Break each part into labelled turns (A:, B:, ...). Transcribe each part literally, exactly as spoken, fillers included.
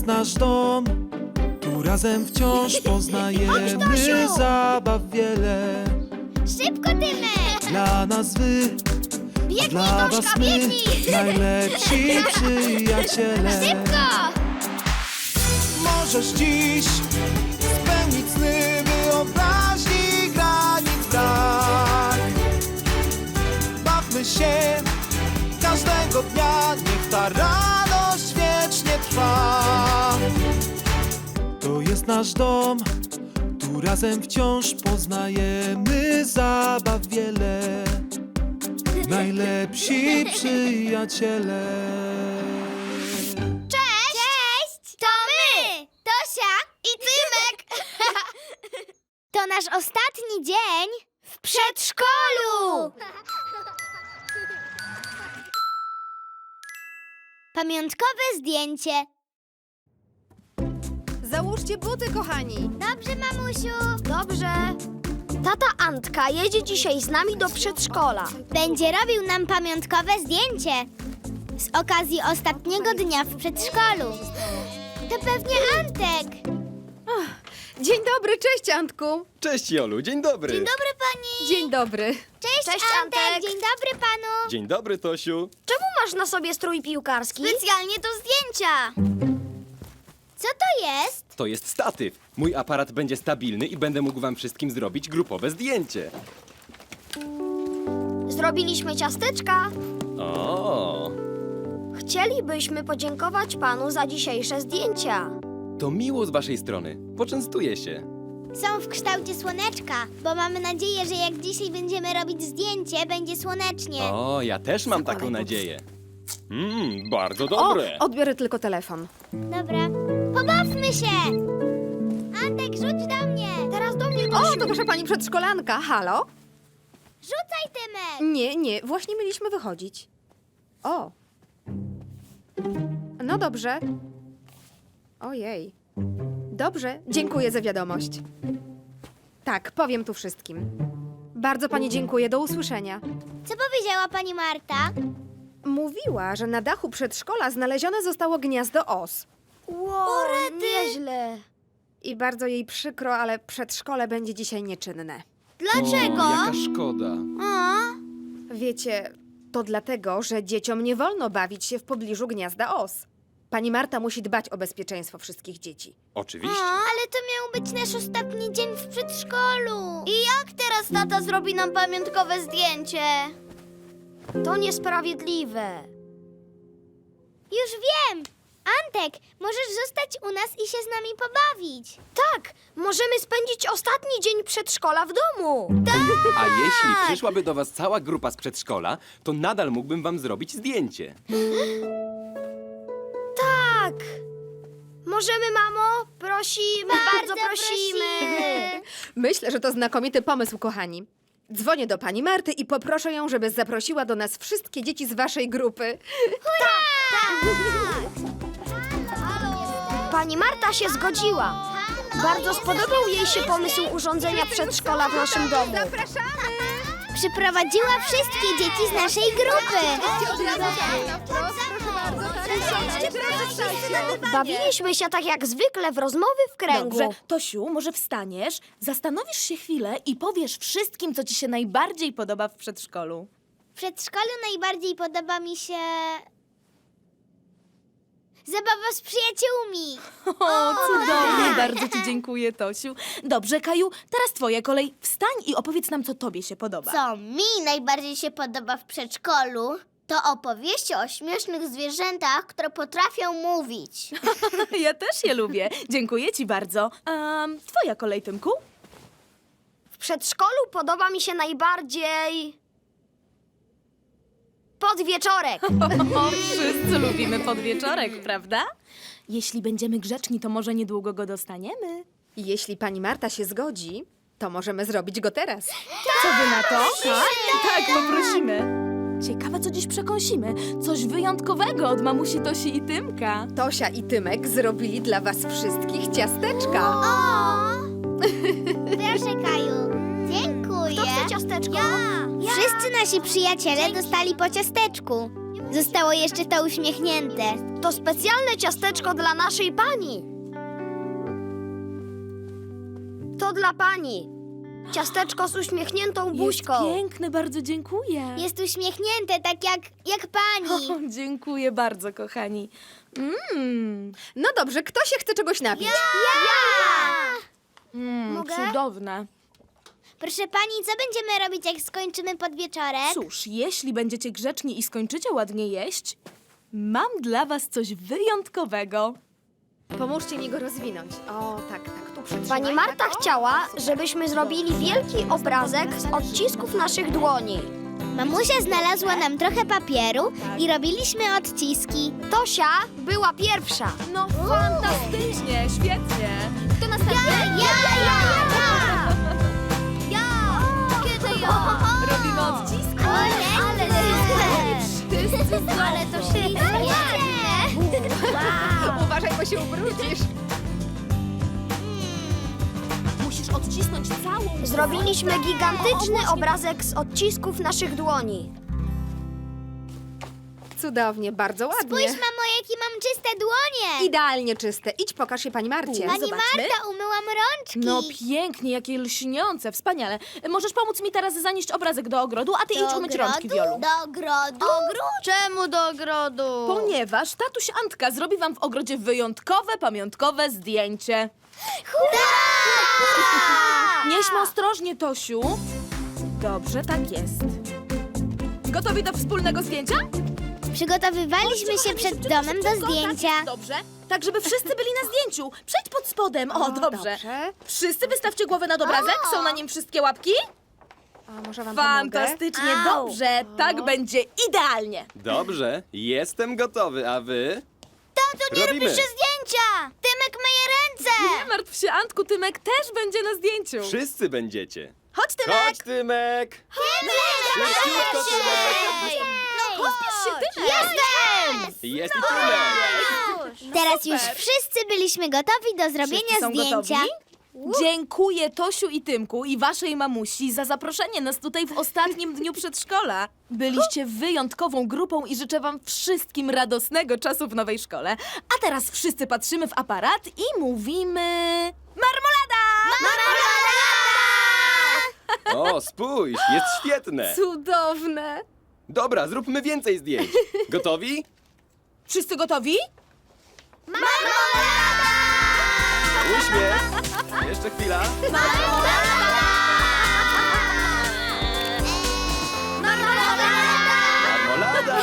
A: jest nasz dom, tu razem wciąż poznajemy
B: Tosiu!
A: zabaw wiele.
B: Szybko, Tymek!
A: Dla nas wy, a
B: Biegnij,
A: dla was
B: Toszka,
A: my,
B: biegnij!
A: najlepsi przyjaciele.
B: Szybko!
A: Możesz dziś spełnić sny wyobraźni granic brak. Bawmy się każdego dnia, niech ta radość wiecznie trwa. To jest nasz dom, tu razem wciąż poznajemy zabaw wiele. Najlepsi przyjaciele.
B: Cześć! Cześć! To my! Tosia i Tymek! To nasz ostatni dzień w przedszkolu! Pamiątkowe zdjęcie.
C: Załóżcie buty, kochani.
B: Dobrze, mamusiu.
D: Dobrze. Tata Antka jedzie dzisiaj z nami do przedszkola.
B: Będzie robił nam pamiątkowe zdjęcie z okazji ostatniego dnia w przedszkolu. To pewnie Antek.
C: Dzień dobry, cześć Antku.
E: Cześć Jolu, dzień dobry.
B: Dzień dobry, pani.
C: Dzień dobry.
B: Cześć,
D: Cześć,
B: Antek.
D: Antek.
B: Dzień dobry panu.
E: Dzień dobry, Tosiu.
D: Czemu masz na sobie strój piłkarski?
B: Specjalnie do zdjęcia. Co to jest?
E: To jest statyw. Mój aparat będzie stabilny i będę mógł wam wszystkim zrobić grupowe zdjęcie.
D: Zrobiliśmy ciasteczka.
E: O,
D: Chcielibyśmy podziękować panu za dzisiejsze zdjęcia.
E: to miło z waszej strony. Poczęstuję się.
B: Są w kształcie słoneczka, bo mamy nadzieję, że jak dzisiaj będziemy robić zdjęcie, będzie słonecznie.
E: O, ja też mam
C: Zakładaj
E: taką
C: buty.
E: nadzieję. Mmm, bardzo
C: O,
E: dobre.
C: odbiorę tylko telefon.
B: Dobra. Pobawmy się! Antek, rzuć do mnie!
D: Teraz do mnie,
C: O,
D: Tosiu.
C: to wasza pani przedszkolanka. Halo?
B: Rzucaj, Tymek!
C: Nie, nie, właśnie mieliśmy wychodzić. O. No dobrze. Ojej. Dobrze, dziękuję za wiadomość. Tak, powiem tu wszystkim. Bardzo pani dziękuję, do usłyszenia.
B: Co powiedziała pani Marta?
C: Mówiła, że na dachu przedszkola znalezione zostało gniazdo os.
D: Wow, nieźle.
C: I bardzo jej przykro, ale przedszkole będzie dzisiaj nieczynne.
B: Dlaczego?
E: O, jaka szkoda.
B: O,
C: Wiecie, to dlatego, że dzieciom nie wolno bawić się w pobliżu gniazda os. Pani Marta musi dbać o bezpieczeństwo wszystkich dzieci.
E: Oczywiście.
B: ale to miał być nasz ostatni dzień w przedszkolu. I jak teraz tata zrobi nam pamiątkowe zdjęcie?
D: To niesprawiedliwe.
B: Już wiem! Antek, możesz zostać u nas i się z nami pobawić.
D: Tak, możemy spędzić ostatni dzień przedszkola w domu.
E: A jeśli przyszłaby do was cała grupa z przedszkola, to nadal mógłbym wam zrobić zdjęcie.
D: Tak. Możemy, mamo? Prosimy, bardzo, prosimy.
C: Myślę, że to znakomity pomysł, kochani. Dzwonię do pani Marty i poproszę ją, żeby zaprosiła do nas wszystkie dzieci z waszej grupy.
D: Pani Marta się zgodziła. Bardzo spodobał jej się pomysł urządzenia przedszkola w naszym domu.
B: Przyprowadziła wszystkie dzieci z naszej grupy.
D: Bawiliśmy się tak jak zwykle w rozmowy w kręgu.
F: Dobrze, Tosiu, może wstaniesz, zastanowisz się chwilę i powiesz wszystkim, co ci się najbardziej podoba w przedszkolu.
B: W przedszkolu najbardziej podoba mi się... zabawa z przyjaciółmi.
F: O, cudownie, bardzo ci dziękuję, Tosiu. Dobrze, Kaju, teraz twoja kolej. Wstań i opowiedz nam, co tobie się podoba.
B: Co mi najbardziej się podoba w przedszkolu, to opowieści o śmiesznych zwierzętach, które potrafią mówić.
F: Ja też je lubię. Dziękuję ci bardzo. Um, twoja kolej, Tymku?
D: W przedszkolu podoba mi się najbardziej... podwieczorek.
F: O, wszyscy lubimy podwieczorek, prawda? Jeśli będziemy grzeczni, to może niedługo go dostaniemy.
C: Jeśli pani Marta się zgodzi, to możemy zrobić go teraz.
F: Co wy na to? Tak, tak, poprosimy. Ciekawe, co dziś przekąsimy. Coś wyjątkowego od mamusi Tosi i Tymka.
C: Tosia i Tymek zrobili dla was wszystkich ciasteczka.
B: O! Proszę, Kaju. Dziękuję.
D: Kto chce ciasteczko?
B: Ja. Wszyscy nasi przyjaciele dostali po ciasteczku. Zostało jeszcze to uśmiechnięte.
D: To specjalne ciasteczko dla naszej pani. To dla pani. Ciasteczko z uśmiechniętą
F: Jest
D: buźką.
F: piękne, bardzo dziękuję.
B: Jest uśmiechnięte, tak jak, jak pani.
F: O, dziękuję bardzo, kochani. Mmm,
C: No dobrze, kto się chce czegoś napić?
F: mm,
B: Mogę?
F: cudowne.
B: Proszę pani, co będziemy robić, jak skończymy podwieczorek?
F: Cóż, jeśli będziecie grzeczni i skończycie ładnie jeść, mam dla was coś wyjątkowego.
C: Pomóżcie mi go rozwinąć. O, tak, tak, tu przytrzymaj.
D: Pani Marta
C: tak, o.
D: chciała, żebyśmy zrobili wielki obrazek z odcisków naszych dłoni.
B: Mamusia znalazła nam trochę papieru i robiliśmy odciski.
D: Tosia była pierwsza.
F: No fantastycznie, świetnie.
B: Kto następny? Ja, ja, ja,
D: Ja! Kiedy ja?
F: Robimy odciski.
B: Ale,
F: Wszyscy
B: ale to ślicznie.
C: Uważaj, bo się ubrudzisz.
F: Musisz odcisnąć całą...
D: Zrobiliśmy gigantyczny obrazek z odcisków naszych dłoni.
C: Cudownie, bardzo ładnie.
B: Spójrz, mamo, jakie mam czyste dłonie.
C: Idealnie czyste. Idź, pokaż je pani Marcie.
B: Pani
F: zobaczmy.
B: Marta, umyłam rączki.
F: No pięknie, jakie lśniące, wspaniale. Możesz pomóc mi teraz zanieść obrazek do ogrodu, a ty idź umyć rączki, Wiolu.
B: Do ogrodu?
D: Czemu do ogrodu?
F: Ponieważ tatuś Antka zrobi wam w ogrodzie wyjątkowe, pamiątkowe zdjęcie. Nieśmy ostrożnie, Tosiu. Dobrze, tak jest. Gotowi do wspólnego zdjęcia?
B: Przygotowywaliśmy się przed domem do zdjęcia.
F: Dobrze. Tak, żeby wszyscy byli na zdjęciu. Przejdź pod spodem. O, dobrze.
C: Dobrze.
F: Wszyscy wystawcie głowę nad obrazek. Są na nim wszystkie łapki?
C: A może wam pomogę?
F: Fantastycznie, dobrze. Tak będzie idealnie.
E: Dobrze, jestem gotowy, a wy?
B: Tato, nie
E: Robimy.
B: robisz zdjęcia! Tymek myje ręce!
F: Nie martw się, Antku, Tymek też będzie na zdjęciu.
E: Wszyscy będziecie.
F: Chodź, Tymek.
E: Chodź, Tymek! Szybciutko, Tymek!
F: No, pospiesz się, Tymek.
B: Jestem!
E: Jest i Tymek!
B: Teraz już wszyscy byliśmy gotowi do zrobienia
F: Wszyscy są
B: zdjęcia.
F: gotowi? Dziękuję Tosiu i Tymku i waszej mamusi za zaproszenie nas tutaj w ostatnim dniu przedszkola. Byliście wyjątkową grupą i życzę wam wszystkim radosnego czasu w nowej szkole. A teraz wszyscy patrzymy w aparat i mówimy... Marmolada!
E: O, spójrz, jest świetne!
C: Cudowne.
E: Dobra, zróbmy więcej zdjęć. Gotowi?
F: Wszyscy gotowi?
E: Uśmiech! Jeszcze chwila. Marmolada!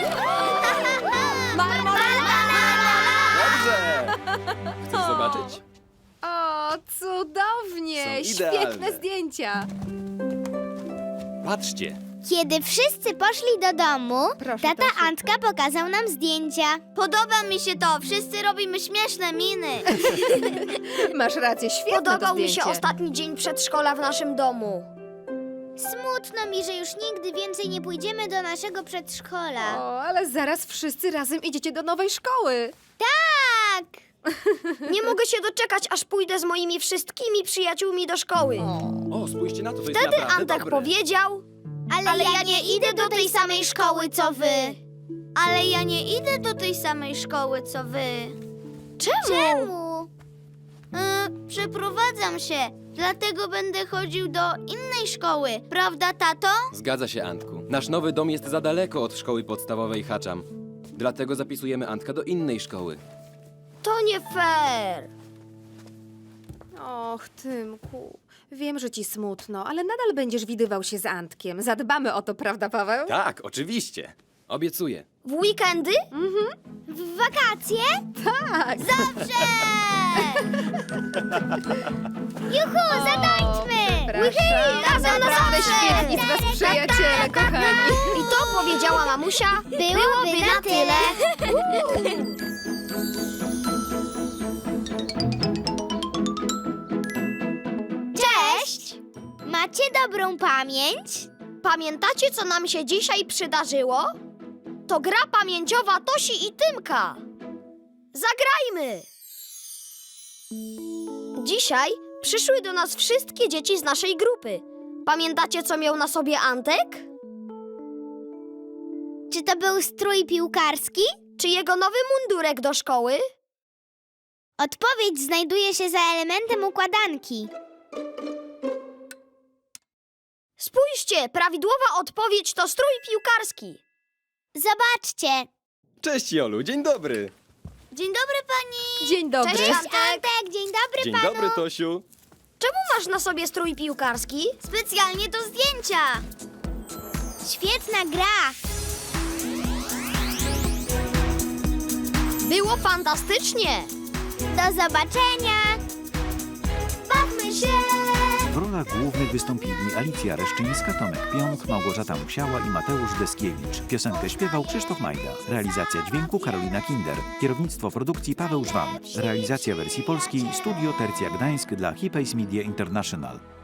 E: Dobrze! Chcesz zobaczyć?
C: O, cudownie.
E: Są idealne.
C: Świetne zdjęcia.
E: Patrzcie.
B: Kiedy wszyscy poszli do domu,
C: Proszę,
B: tata
C: Tosiu.
B: Antka pokazał nam zdjęcia. Podoba mi się to. Wszyscy robimy śmieszne miny.
C: Masz rację, świetne to
D: Podobał mi się
C: zdjęcie.
D: ostatni dzień przedszkola w naszym domu.
B: Smutno mi, że już nigdy więcej nie pójdziemy do naszego przedszkola.
C: O, ale zaraz wszyscy razem idziecie do nowej szkoły.
B: Tak!
D: Nie mogę się doczekać, aż pójdę z moimi wszystkimi przyjaciółmi do szkoły.
E: O, spójrzcie na to, to jest
D: Wtedy
E: naprawdę
D: Antek
E: dobre.
D: powiedział...
B: Ale,
D: Ale
B: ja nie idę do tej samej szkoły, co wy. Ale ja nie idę do tej samej szkoły, co wy.
D: Czemu?
B: Czemu? E, przeprowadzam się, dlatego będę chodził do innej szkoły. Prawda, tato?
E: Zgadza się, Antku. Nasz nowy dom jest za daleko od szkoły podstawowej Haczam. Dlatego zapisujemy Antka do innej szkoły.
D: To nie fair.
C: Och, Tymku, wiem, że ci smutno, ale nadal będziesz widywał się z Antkiem. Zadbamy o to, prawda, Paweł?
E: Tak, oczywiście. Obiecuję.
D: W weekendy?
B: W wakacje?
C: Tak.
B: Dobrze! Juhu, zatańczmy!
C: Przepraszam.
B: Razem
C: Naprawdę
B: zawsze!
C: świetni z was przyjaciele, kochani.
D: I to powiedziała mamusia.
B: Byłoby na tyle. Cześć! Macie dobrą pamięć?
D: Pamiętacie, co nam się dzisiaj przydarzyło? To gra pamięciowa Tosi i Tymka. Zagrajmy! Dzisiaj przyszły do nas wszystkie dzieci z naszej grupy. Pamiętacie, co miał na sobie Antek?
B: Czy to był strój piłkarski?
D: Czy jego nowy mundurek do szkoły?
B: Odpowiedź znajduje się za elementem układanki.
D: Spójrzcie, prawidłowa odpowiedź to strój piłkarski.
B: Zobaczcie.
E: Cześć Jolu, dzień dobry.
B: Dzień dobry pani.
C: Dzień dobry.
D: Cześć,
B: Cześć Antek, dzień dobry
E: Dzień
B: panu.
E: dobry Tosiu.
D: Czemu masz na sobie strój piłkarski?
B: Specjalnie do zdjęcia. Świetna gra.
D: Było fantastycznie.
B: Do zobaczenia. Bawmy się.
G: W rolach głównych wystąpili Alicja Reszczyńska, Tomek Piąt, Małgorzata Musiała i Mateusz Deskiewicz. Piosenkę śpiewał Krzysztof Majda. Realizacja dźwięku Karolina Kinder. Kierownictwo produkcji Paweł Żwan. Realizacja wersji polskiej Studio Tercja Gdańsk dla Hipays Media International.